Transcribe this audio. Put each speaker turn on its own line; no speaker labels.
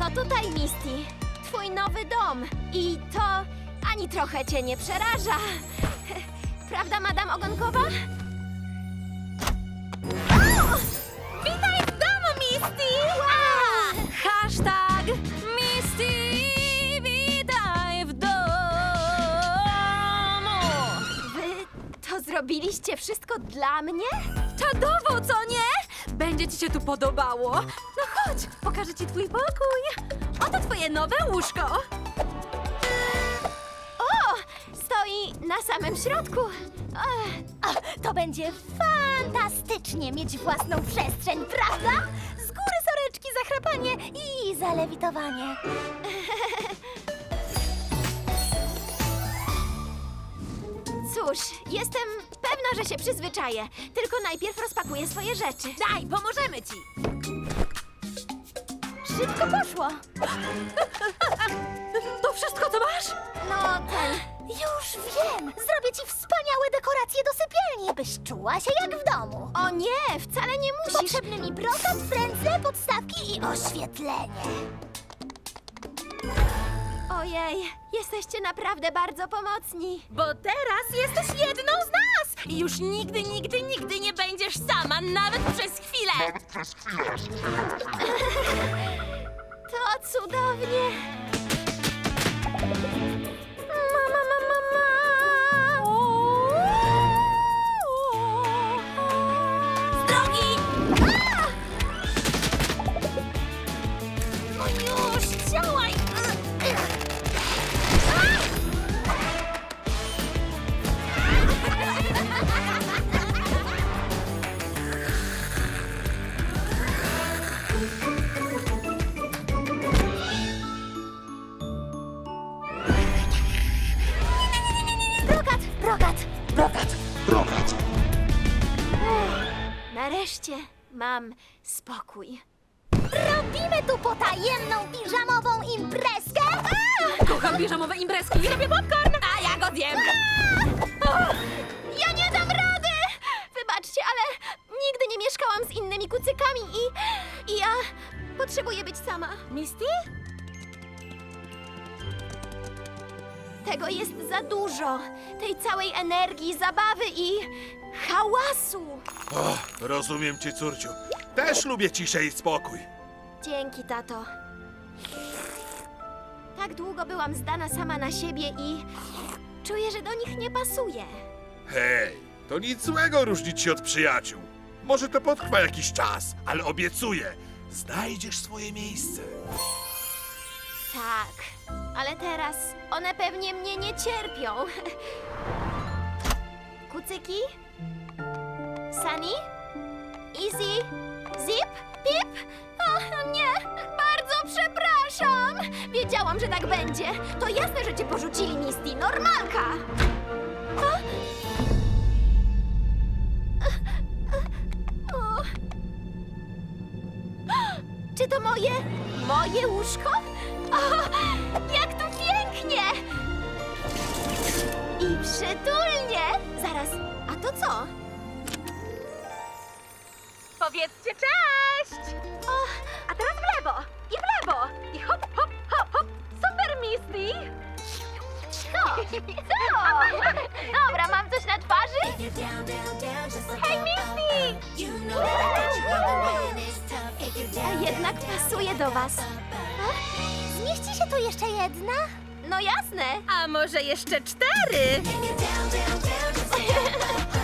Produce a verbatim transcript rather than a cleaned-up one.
No tutaj, Misty. Twój nowy dom. I to ani trochę cię nie przeraża. Prawda, Madam Ogonkowa? O! Witaj w domu, Misty! Wow!
Hashtag Misty, witaj w domu.
Wy to zrobiliście wszystko dla mnie?
Czadowo, co nie? Będzie ci się tu podobało. No chodź, pokażę ci twój pokój. Oto twoje nowe łóżko.
O! Stoi na samym środku. Ech,
O, to będzie fantastycznie mieć własną przestrzeń, prawda? Z góry soreczki, zachrapanie i zalewitowanie.
Cóż, jestem pewna, że się przyzwyczaję. Tylko najpierw rozpakuję swoje rzeczy.
Daj, pomożemy ci.
Szybko poszło.
To wszystko, co masz?
No, ten...
Już wiem. Zrobię ci wspaniałe dekoracje do sypialni, byś czuła się jak w domu.
O nie, wcale nie musisz.
Potrzebny mi brokat, frędzle, podstawki i oświetlenie.
Ojej, jesteście naprawdę bardzo pomocni.
Bo teraz jesteś jedną z nas. I już nigdy, nigdy, nigdy nie będziesz sama, nawet przez chwilę.
To cudownie. Mama, mama, mama.
Z drogi!
No już, działaj.
Brokat, brokat, brokat.
Brokat.
Nareszcie mam spokój.
Robimy tu potajemną piżamową imprezkę.
Kocham bieżamowe imprezki i robię popcorn, a ja go zjem.
Ja nie dam rady! Wybaczcie, ale nigdy nie mieszkałam z innymi kucykami i... i ja potrzebuję być sama.
Misty?
Tego jest za dużo. Tej całej energii, zabawy i hałasu.
O, rozumiem cię, córciu. Też lubię ciszę i spokój.
Dzięki, tato. Tak długo byłam zdana sama na siebie i czuję, że do nich nie pasuję.
Hej, to nic złego różnić się od przyjaciół. Może to potrwa jakiś czas, ale obiecuję, znajdziesz swoje miejsce.
Tak, ale teraz one pewnie mnie nie cierpią. Kucyki? Sunny? Easy? Zip? Pip? O nie, bardzo przepraszam. Wiedziałam, że tak będzie. To jasne, że cię porzucili, Misty. Normalka. A? O. Czy to moje, moje łóżko? O, jak tu pięknie! I przytulnie! Zaraz, a to co?
Powiedzcie cześć!
O,
A teraz w lewo i w lewo i hop, hop, hop, hop. Super, Misty!
co? Co? Dobra, mam coś na twarzy?
Hej, Misty!
A jednak pasuje do was.
Zmieści się tu jeszcze jedna?
No jasne.
A może jeszcze cztery?